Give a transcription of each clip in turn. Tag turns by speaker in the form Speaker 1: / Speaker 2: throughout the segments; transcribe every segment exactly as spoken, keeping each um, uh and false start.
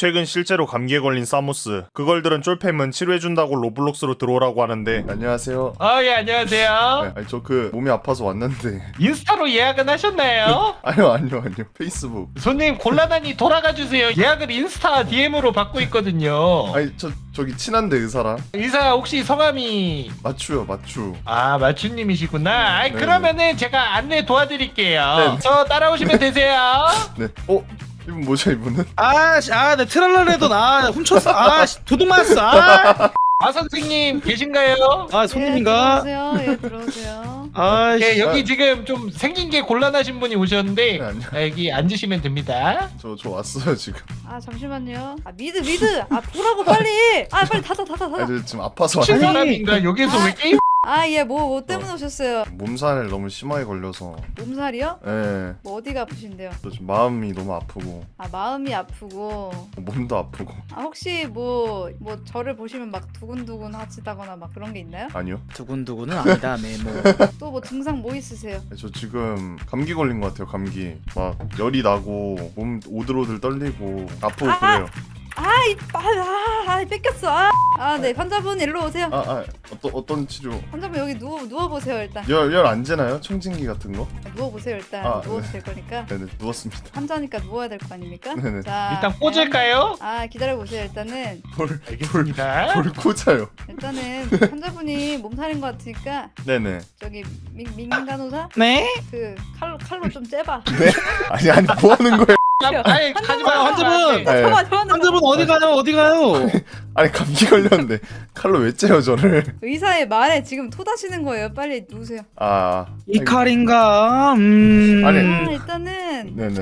Speaker 1: 최근 실제로 감기에 걸린 사무스. 그걸들은 쫄팸은 치료해준다고 로블록스로 들어오라고 하는데. 안녕하세요.
Speaker 2: 아, 예, 안녕하세요.
Speaker 1: 네, 아니 저 그 몸이 아파서 왔는데.
Speaker 2: 인스타로 예약은 하셨나요?
Speaker 1: 아니요 아니요 아니요 페이스북.
Speaker 2: 손님 곤란하니 돌아가 주세요. 예약을 인스타 디엠으로 받고 있거든요.
Speaker 1: 아니 저 저기 친한데 의사랑.
Speaker 2: 의사 혹시 성함이
Speaker 1: 맞추요 맞추.
Speaker 2: 아 마추님이시구나. 아이,
Speaker 1: 네네.
Speaker 2: 그러면은 제가 안내 도와드릴게요.
Speaker 1: 네네.
Speaker 2: 저 따라오시면 되세요.
Speaker 1: 네. 어? 이분 뭐죠 이분은?
Speaker 3: 아, 씨, 아, 내 트랄라레도 나 훔쳤어. 아, 씨, 도둑 맞았어. 아,
Speaker 2: 아 선생님 계신가요?
Speaker 3: 아 손님인가?
Speaker 4: 예, 들어오세요. 예, 들어오세요.
Speaker 3: 아,
Speaker 2: 네,
Speaker 3: 씨.
Speaker 2: 여기 지금 좀 생긴 게 곤란하신 분이 오셨는데
Speaker 1: 네, 안녕.
Speaker 2: 아, 여기 앉으시면 됩니다.
Speaker 1: 저 저 왔어요 지금.
Speaker 4: 아 잠시만요. 아 미드 미드. 아 보라고 빨리. 아 빨리 닫아 닫아
Speaker 1: 아니
Speaker 4: 닫아.
Speaker 1: 저 지금 아파서
Speaker 2: 미친
Speaker 1: 왔는데.
Speaker 2: 사람인가? 여기서 왜 게임?
Speaker 4: 아 예 뭐 뭐 때문에 오셨어요?
Speaker 1: 몸살 너무 심하게 걸려서.
Speaker 4: 몸살이요?
Speaker 1: 예.
Speaker 4: 뭐 어디가 아프신데요?
Speaker 1: 저 지금 마음이 너무 아프고
Speaker 4: 아 마음이 아프고.
Speaker 1: 몸도 아프고.
Speaker 4: 아 혹시 뭐 뭐 저를 보시면 막 두근두근 하시다거나 막 그런 게 있나요?
Speaker 1: 아니요.
Speaker 3: 두근두근은 아니다, 메모.
Speaker 4: 또 뭐 증상 뭐 있으세요?
Speaker 1: 저 지금 감기 걸린 것 같아요. 감기. 막 열이 나고 몸 오들오들 떨리고 아프고
Speaker 4: 아!
Speaker 1: 그래요.
Speaker 4: 아이 아, 아, 아 뺏겼어. 아, 아 네 환자분 일로 오세요.
Speaker 1: 아, 아 어떤 어떤 치료?
Speaker 4: 환자분 여기 누워 누워 보세요 일단.
Speaker 1: 열 열 안 재나요? 청진기 같은 거?
Speaker 4: 누워 보세요 일단.
Speaker 1: 아,
Speaker 4: 누워도
Speaker 1: 네.
Speaker 4: 될 거니까.
Speaker 1: 네네 누웠습니다.
Speaker 4: 환자니까 누워야 될 거 아닙니까?
Speaker 1: 네네.
Speaker 4: 자
Speaker 2: 일단 꽂을까요?
Speaker 4: 아 기다려 보세요 일단은.
Speaker 1: 볼
Speaker 2: 알겠습니다.
Speaker 1: 볼 꽂아요.
Speaker 4: 일단은 환자분이 몸살인 것 같으니까
Speaker 1: 네네.
Speaker 4: 저기 민, 민간호사
Speaker 3: 네?
Speaker 4: 그 칼로 칼로 좀 째봐.
Speaker 1: 아니 아니 뭐 하는 거예요?
Speaker 2: 아니 가지 마.
Speaker 3: 환자분!
Speaker 1: 네.
Speaker 4: 잠깐만 잠깐만.
Speaker 3: 환자분 어디 가요? 어디 가요?
Speaker 1: 아니 감기 걸렸는데 칼로 왜 째요 저를?
Speaker 4: 의사의 말에 지금 토다시는 거예요. 빨리 누우세요.
Speaker 1: 아
Speaker 3: 이 칼인가? 음.
Speaker 1: 아니.
Speaker 4: 아 일단은
Speaker 1: 네네.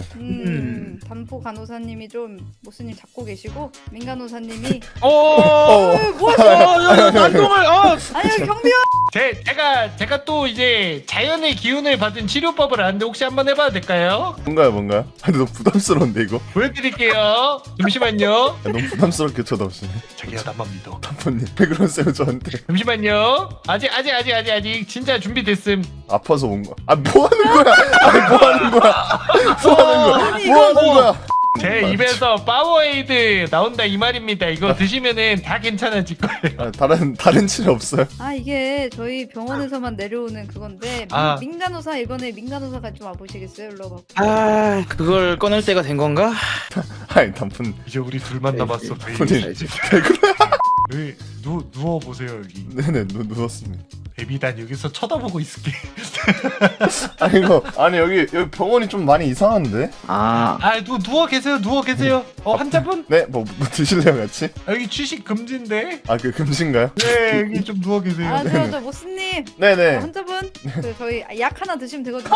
Speaker 4: 음 단포 간호사님이 좀 모스님 잡고 계시고 민간호사님이
Speaker 3: 어,
Speaker 1: 어.
Speaker 4: 어, 뭐
Speaker 3: 어,
Speaker 4: 하세요?
Speaker 3: 야, 야, 난동을, 어.
Speaker 4: 아니 여기 경비원.
Speaker 2: 제 제가 제가 또 이제 자연의 기운을 받은 치료법을 아는데 혹시 한번 해봐도 될까요?
Speaker 1: 뭔가요 뭔가요? 아니 너무 부담스러운데 이거?
Speaker 2: 보여드릴게요. 잠시만요.
Speaker 1: 야, 너무 부담스럽게 쳐다보시네.
Speaker 2: 자기야 나만 믿어.
Speaker 1: 단포님 왜 그러세요 저한테?
Speaker 2: 잠시만요. 아직 아직 아직 아직 아직 진짜 준비됐음.
Speaker 1: 아파서 온 거야. 아 뭐 하는 거야? 아니 뭐 하는 거야? 뭐 하는 거야?
Speaker 4: 아니,
Speaker 1: 뭐
Speaker 4: 이거
Speaker 1: 하는 거야?
Speaker 2: 제 입에서 파워에이드 나온다 이 말입니다. 이거 드시면은 다 괜찮아질 거예요.
Speaker 1: 아, 다른 다른 치료 없어요?
Speaker 4: 아 이게 저희 병원에서만 내려오는 그건데 민,
Speaker 2: 아.
Speaker 4: 민간호사 이번에 민간호사가 좀 와보시겠어요? 일로 와봐.
Speaker 3: 아, 그걸 꺼낼 때가 된 건가?
Speaker 1: 아니 단푼
Speaker 2: 이제 우리 둘만 남았어.
Speaker 1: 단푼이
Speaker 3: 자, 이제.
Speaker 1: 왜 그래?
Speaker 2: 네, 누 누워 보세요 여기.
Speaker 1: 네네 누, 누웠습니다.
Speaker 2: 베비 난 여기서 쳐다보고 있을게.
Speaker 1: 아니 이거 아니 여기 여기 병원이 좀 많이 이상한데?
Speaker 3: 아,
Speaker 2: 아, 누 누워 계세요. 누워 계세요. 어, 환자분?
Speaker 1: 네? 뭐, 뭐 드실래요 같이?
Speaker 2: 여기 취식 금지인데.
Speaker 1: 아 그 금신가요?
Speaker 2: 네, 여기 좀 누워 계세요.
Speaker 4: 아 저 저 모스님
Speaker 1: 네네.
Speaker 4: 어, 환자분 그 저희 약 하나 드시면 되거든요.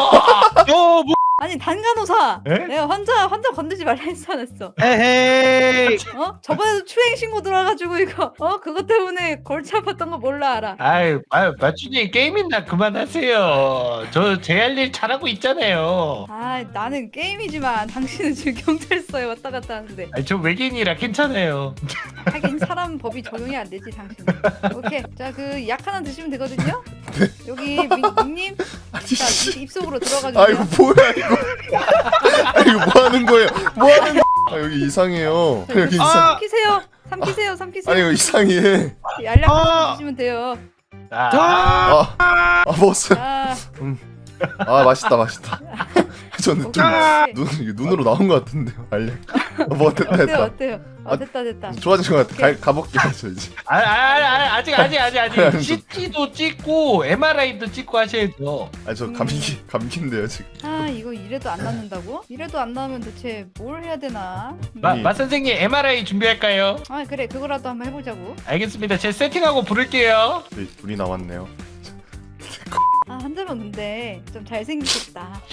Speaker 3: 어, 뭐,
Speaker 4: 아니 단간호사.
Speaker 2: 에?
Speaker 4: 내가 환자 환자 건들지 말라 했어 안 했어.
Speaker 3: 에헤이.
Speaker 4: 어? 저번에도 추행 신고 들어와가지고 이거 어 그것 때문에 골치 아팠던 거 몰라 알아.
Speaker 2: 아유, 아유, 마춘님 게임이나 그만하세요. 저 제 할 일 잘하고 있잖아요.
Speaker 4: 아 나는 게임이지만 당신은 지금 경찰서에 왔다 갔다 하는데
Speaker 2: 아니, 저 외계인이라 괜찮아요.
Speaker 4: 하긴 사람 법이 적용이 안 되지 당신. 오케이 자 그 약 하나 드시면 되거든요. 여기 민, 민님
Speaker 1: 아니
Speaker 4: 자
Speaker 1: 씨.
Speaker 4: 입- 입속으로 들어가
Speaker 1: 아 이거
Speaker 4: 주세요.
Speaker 1: 뭐야 이거? 아 이거 뭐 하는 거예요? 뭐 하는 거? 아 여기 이상해요. 여기 이상.
Speaker 3: 아.
Speaker 4: 삼키세요. 삼키세요. 삼키세요.
Speaker 1: 아니 이거 이상해.
Speaker 4: 알약 하나
Speaker 3: 아.
Speaker 4: 드시면 돼요.
Speaker 2: 아,
Speaker 3: 아,
Speaker 1: 아, 아 먹었어요.
Speaker 4: 자
Speaker 1: 아 맛있다 맛있다. 저는 좀
Speaker 3: 아.
Speaker 1: 눈, 이게 눈으로 나온 것 같은데요. 알려. 어, 뭐 됐다
Speaker 4: 어때요
Speaker 1: 됐다.
Speaker 4: 어때요? 어 됐다 됐다.
Speaker 1: 좋아진 것 같아. 가, 가볼게요 저 이제.
Speaker 2: 아, 아, 아, 아직 아직 아직
Speaker 1: 아니,
Speaker 2: 아직 씨티도 찍고 엠알아이도 찍고 하셔야죠.
Speaker 1: 아 저 감기 감기인데요 지금.
Speaker 4: 아 이거 이래도 안 낫는다고? 이래도 안 나오면 대체 뭘 해야 되나?
Speaker 2: 마,
Speaker 1: 아니.
Speaker 2: 마 선생님 엠알아이 준비할까요?
Speaker 4: 아 그래 그거라도 한번 해보자고.
Speaker 2: 알겠습니다. 제가 세팅하고 부를게요.
Speaker 1: 저희 둘이 나왔네요.
Speaker 4: 아 환자분 근데 좀 잘생기셨다.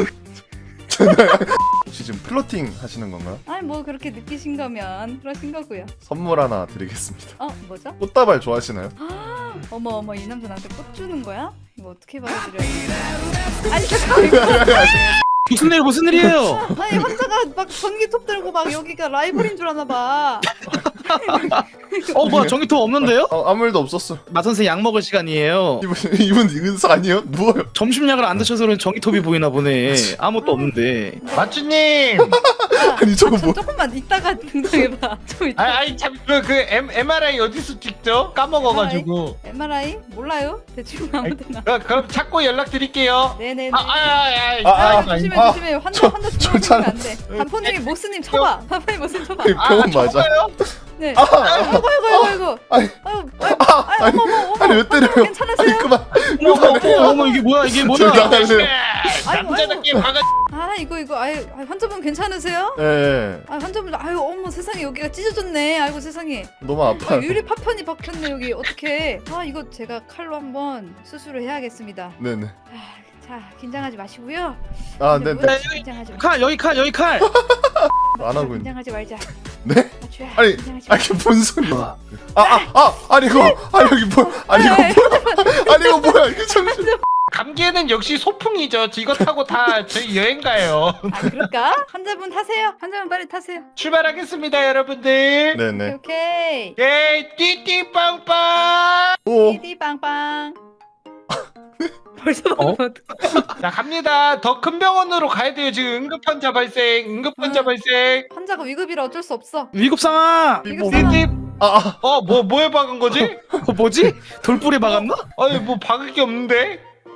Speaker 1: 혹시 지금 플로팅 하시는 건가요?
Speaker 4: 아니 뭐 그렇게 느끼신 거면 그러신 거고요.
Speaker 1: 선물 하나 드리겠습니다.
Speaker 4: 어 뭐죠?
Speaker 1: 꽃다발 좋아하시나요?
Speaker 4: 어머 어머 이 남자 나한테 꽃 주는 거야? 이거 어떻게 받아들여야 돼? 아니 잠깐 이거
Speaker 3: 무슨 일, 무슨 일이에요?
Speaker 4: 아니 환자가 막 전기톱 들고 막 여기가 라이벌인 줄 아나 봐.
Speaker 3: 어 뭐야 전기톱 없는데요?
Speaker 1: 어, 아무 일도 없었어.
Speaker 3: 마 선생 약 먹을 시간이에요.
Speaker 1: 이분 이분 은사 아니에요? 누워요.
Speaker 3: 점심약을 안 드셔서 그런 전기톱이 보이나 보네. 아무것도 없는데.
Speaker 2: 마추님.
Speaker 4: 아,
Speaker 1: 아니, 저거
Speaker 4: 아, 저
Speaker 1: 뭐-
Speaker 4: 조금만 이따가 등장해봐. 좀 이따.
Speaker 2: 아, 아니 참그 그 엠아르아이 어디서 찍죠? 까먹어가지고.
Speaker 4: 엠알아이 몰라요? 대충 아무데나.
Speaker 2: 어, 그럼 찾고 연락드릴게요.
Speaker 4: 네네네.
Speaker 2: 아, 아, 아,
Speaker 1: 아,
Speaker 2: 아,
Speaker 1: 아,
Speaker 2: 아,
Speaker 4: 조심해
Speaker 1: 아,
Speaker 4: 조심해. 환자
Speaker 1: 저-
Speaker 4: 환자
Speaker 1: 저
Speaker 4: 죽으면
Speaker 1: 잘-
Speaker 4: 안 돼. 단포님이 모스님 쳐봐. 단포님 모스님 쳐봐.
Speaker 1: 아니, 병원 맞아.
Speaker 2: 저거요?
Speaker 4: 네.
Speaker 1: 아,
Speaker 4: 아이고 아이고 아이고
Speaker 1: 아니,
Speaker 4: 아이고. 아이고.
Speaker 1: 아,
Speaker 4: 아이고
Speaker 1: 아니,
Speaker 4: 어머 어머.
Speaker 1: 아니 왜 때려요?
Speaker 4: 괜찮으세요?
Speaker 1: 아니 그만.
Speaker 3: 어머 어머 어머 이게 뭐야 이게
Speaker 1: 저
Speaker 3: 뭐야?
Speaker 1: 나갈래요.
Speaker 2: 남자답게 박아.
Speaker 4: 아 이거 이거 아유 아유, 환자분 괜찮으세요?
Speaker 1: 예,
Speaker 4: 아 환자분 아유 어머 세상에 여기가 찢어졌네. 아이고 세상에.
Speaker 1: 너무 아파.
Speaker 4: 아, 유리 파편이 박혔네 여기 어떡해. 아 이거 제가 칼로 한번 수술을 해야겠습니다.
Speaker 1: 네네.
Speaker 4: 아, 자 긴장하지 마시고요.
Speaker 1: 아,
Speaker 4: 근데
Speaker 1: 네네.
Speaker 4: 뭐, 긴장하지 마.
Speaker 3: 칼 여기 칼 여기 칼.
Speaker 1: 안 하고 있네.
Speaker 4: 긴장하지 말자.
Speaker 1: 네?
Speaker 4: 맞추야.
Speaker 1: 아니,
Speaker 4: 긴장하지
Speaker 1: 아
Speaker 4: 마.
Speaker 1: 이게 뭔 소리야? 아, 아, 아, 아니 이거, 아니 여기 뭐, 아니 이거 뭐야? 아니 이거 뭐야? 이게 정신.
Speaker 2: 감기에는 역시 소풍이죠. 이거 타고 다 저희 여행 가요.
Speaker 4: 아 그럴까? 환자분 타세요. 환자분 빨리 타세요.
Speaker 2: 출발하겠습니다, 여러분들.
Speaker 1: 네네.
Speaker 4: 오케이.
Speaker 2: 예, 띠띠빵빵.
Speaker 1: 오,
Speaker 4: 디디 빵빵. 벌써
Speaker 3: 어?
Speaker 4: 먹으면 어떡해.
Speaker 2: 자, 갑니다. 더 큰 병원으로 가야 돼요. 지금 응급 환자 발생, 응급 환자
Speaker 4: 아.
Speaker 2: 발생.
Speaker 4: 환자가 위급이라 어쩔 수 없어.
Speaker 3: 위급 상황.
Speaker 1: 삐뽀.
Speaker 2: 띠띠.
Speaker 1: 아, 아,
Speaker 2: 어, 뭐 뭐에 박은 거지?
Speaker 3: 어, 뭐지? 돌불에 박았나?
Speaker 2: 아니, 뭐 박을 게 없는데.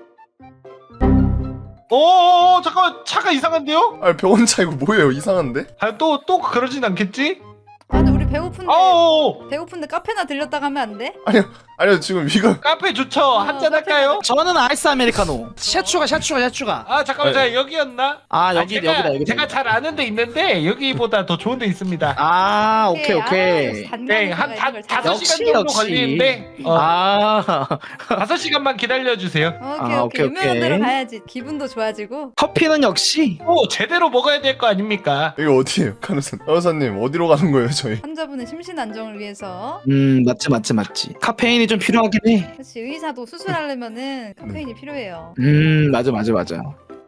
Speaker 2: 오, 잠깐만, 차가 이상한데요?
Speaker 1: 아니 병원 차 이거 뭐예요? 이상한데?
Speaker 2: 아, 또 또 그러진 않겠지?
Speaker 4: 아 근데 우리 배고픈데
Speaker 2: 어,
Speaker 4: 배고픈데 카페나 들렸다 가면 안 돼?
Speaker 1: 아니요 지금 이거
Speaker 2: 카페 좋죠. 한잔 할까요?
Speaker 3: 저는 아이스 아메리카노. 샤추가 샤추가 샤추가.
Speaker 2: 아, 잠깐만, 자 여기였나?
Speaker 3: 아 여기
Speaker 2: 제가,
Speaker 3: 여기다 여기다.
Speaker 2: 제가 잘 아는 데 있는데 여기보다 더 좋은 데 있습니다.
Speaker 3: 아 오케이
Speaker 4: 아,
Speaker 3: 오케이.
Speaker 4: 역시
Speaker 2: 네,
Speaker 4: 단가가
Speaker 2: 한
Speaker 4: 이런
Speaker 2: 다,
Speaker 4: 걸 잘-
Speaker 2: 다섯
Speaker 3: 역시,
Speaker 2: 시간 정도
Speaker 3: 역시.
Speaker 2: 걸리는데 어,
Speaker 3: 아
Speaker 2: 다섯 시간만 기다려 주세요.
Speaker 4: 오케이
Speaker 3: 아,
Speaker 4: 오케이
Speaker 3: 오케이,
Speaker 4: 유명한
Speaker 3: 오케이.
Speaker 4: 데로 가야지 기분도 좋아지고.
Speaker 3: 커피는 역시.
Speaker 2: 오, 제대로 먹어야 될 거 아닙니까?
Speaker 1: 이거 어디예요, 간호사? 간호사님 어디로 가는 거예요, 저희?
Speaker 4: 환자분의 심신 안정을 위해서.
Speaker 3: 음 맞지 맞지 맞지. 카페인이 좀 필요하긴 해.
Speaker 4: 그렇지 의사도 수술하려면은 카페인이 필요해요.
Speaker 3: 음 맞아 맞아 맞아.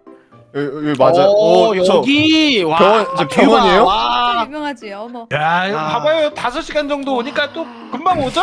Speaker 1: 여기, 여기 맞아.
Speaker 3: 오,
Speaker 1: 오, 저
Speaker 3: 여기 와
Speaker 1: 병원- 저
Speaker 3: 뷰가,
Speaker 1: 병원이에요?
Speaker 4: 진짜
Speaker 3: 와.
Speaker 4: 유명하지 어머.
Speaker 2: 야, 이거
Speaker 3: 아.
Speaker 2: 봐봐요. 다섯 시간 정도 오니까 또 금방 오죠?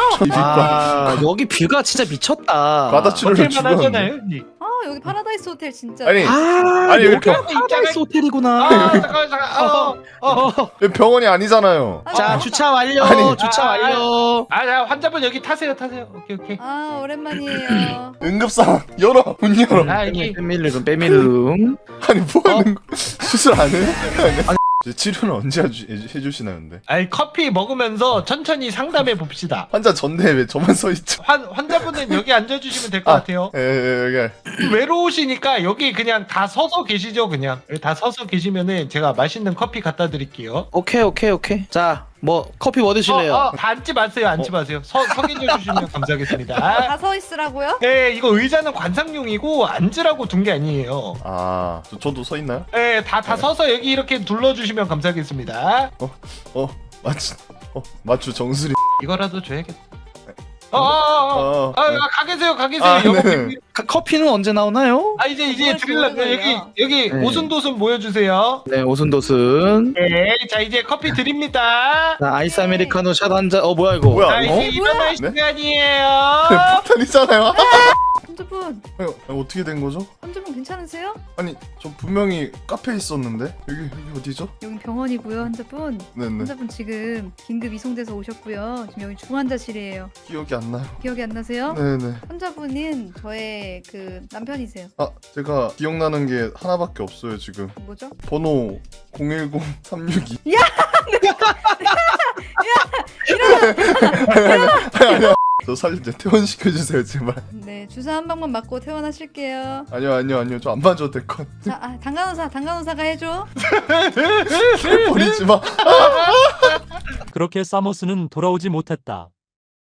Speaker 3: 아 여기 뷰가 진짜 미쳤다.
Speaker 1: 과다출혈로
Speaker 2: 호텔만
Speaker 1: 죽었는데.
Speaker 2: 하잖아요. 여기.
Speaker 4: 아 여기 파라다이스 호텔 진짜.
Speaker 1: 아니,
Speaker 3: 아
Speaker 1: 아니,
Speaker 3: 여기가
Speaker 1: 이렇게-
Speaker 3: 파라다이스 호텔이구나.
Speaker 2: 아, 잠깐만, 잠깐. 어, 어.
Speaker 3: 어.
Speaker 1: 여기 병원이 아니잖아요.
Speaker 4: 아,
Speaker 3: 자
Speaker 4: 아,
Speaker 3: 주차 완료.
Speaker 1: 아니.
Speaker 3: 주차
Speaker 2: 아,
Speaker 3: 완료.
Speaker 2: 아, 자, 환자분 여기 타세요, 타세요. 오케이, 오케이.
Speaker 4: 아 오랜만이에요.
Speaker 1: 응급상황 열어, 문 열어.
Speaker 2: 아, 여기.
Speaker 3: 빼밀룸 빼밀룸.
Speaker 1: 아니 뭐 하는 거? 수술 안 해요? 아니, 이제 치료는 언제 해주, 해주시나요, 근데?
Speaker 2: 아니, 커피 먹으면서 천천히 상담해 봅시다.
Speaker 1: 환자 전대에 왜 저만 서 있죠?
Speaker 2: 환, 환자분은 여기 앉아주시면 될 것
Speaker 1: 아.
Speaker 2: 같아요.
Speaker 1: 예, 예, 여기.
Speaker 2: 외로우시니까 여기 그냥 다 서서 계시죠, 그냥. 여기 다 서서 계시면은 제가 맛있는 커피 갖다 드릴게요.
Speaker 3: 오케이 오케이 오케이. 자 뭐 커피 뭐 드실래요?
Speaker 2: 어, 어, 다 앉지 마세요, 앉지 마세요. 서, 서 계셔 주시면 감사하겠습니다.
Speaker 4: 다 서 있으라고요?
Speaker 2: 네, 이거 의자는 관상용이고 앉으라고 둔 게 아니에요.
Speaker 1: 아, 저, 저도 서 있나요?
Speaker 2: 네, 다, 다 서서 여기 이렇게 둘러주시면 감사하겠습니다.
Speaker 1: 어, 마추, 어, 마추 정수리.
Speaker 2: 이거라도 줘야겠다. 어, 어, 어, 어.
Speaker 1: 어,
Speaker 2: 아, 아, 가 계세요, 가 계세요.
Speaker 1: 아,
Speaker 2: 여보,
Speaker 1: 네.
Speaker 3: 카- 커피는 언제 나오나요?
Speaker 2: 아, 이제, 이제
Speaker 4: 뭘
Speaker 2: 드릴라고.
Speaker 4: 좋아해요?
Speaker 2: 여기, 여기
Speaker 3: 네.
Speaker 2: 오순도순 모여주세요.
Speaker 3: 네 오순도순.
Speaker 2: 네, 자, 이제 커피 드립니다.
Speaker 3: 자 아이스 아메리카노 샷 한 잔. 어 뭐야 이거?
Speaker 1: 뭐야,
Speaker 2: 자,
Speaker 1: 이거?
Speaker 2: 이제 일어날
Speaker 1: 네?
Speaker 2: 시간이에요.
Speaker 1: 폭탄이잖아요.
Speaker 4: 환자분
Speaker 1: 아니, 아니, 어떻게 된 거죠?
Speaker 4: 환자분 괜찮으세요?
Speaker 1: 아니, 저 분명히 카페에 있었는데 여기 여기 어디죠?
Speaker 4: 여기 병원이고요 환자분.
Speaker 1: 네네.
Speaker 4: 환자분 지금 긴급 이송돼서 오셨고요. 지금 여기 중환자실이에요.
Speaker 1: 기억이 안 나요.
Speaker 4: 기억이 안 나세요?
Speaker 1: 네네.
Speaker 4: 환자분은 저의 그 남편이세요.
Speaker 1: 아, 제가 기억나는 게 하나밖에 없어요 지금.
Speaker 4: 뭐죠?
Speaker 1: 번호 공일공 삼육이. 아니 아니야. 저 살려 퇴원시켜 주세요 제발.
Speaker 4: 네 주사 한 방만 맞고 퇴원하실게요.
Speaker 1: 아니요 아니요 아니요 저 안 맞아도 될 것.
Speaker 4: 자 아, 당간호사 당간호사가 해줘.
Speaker 1: 버리지 마.
Speaker 5: 그렇게 사모스는 돌아오지 못했다.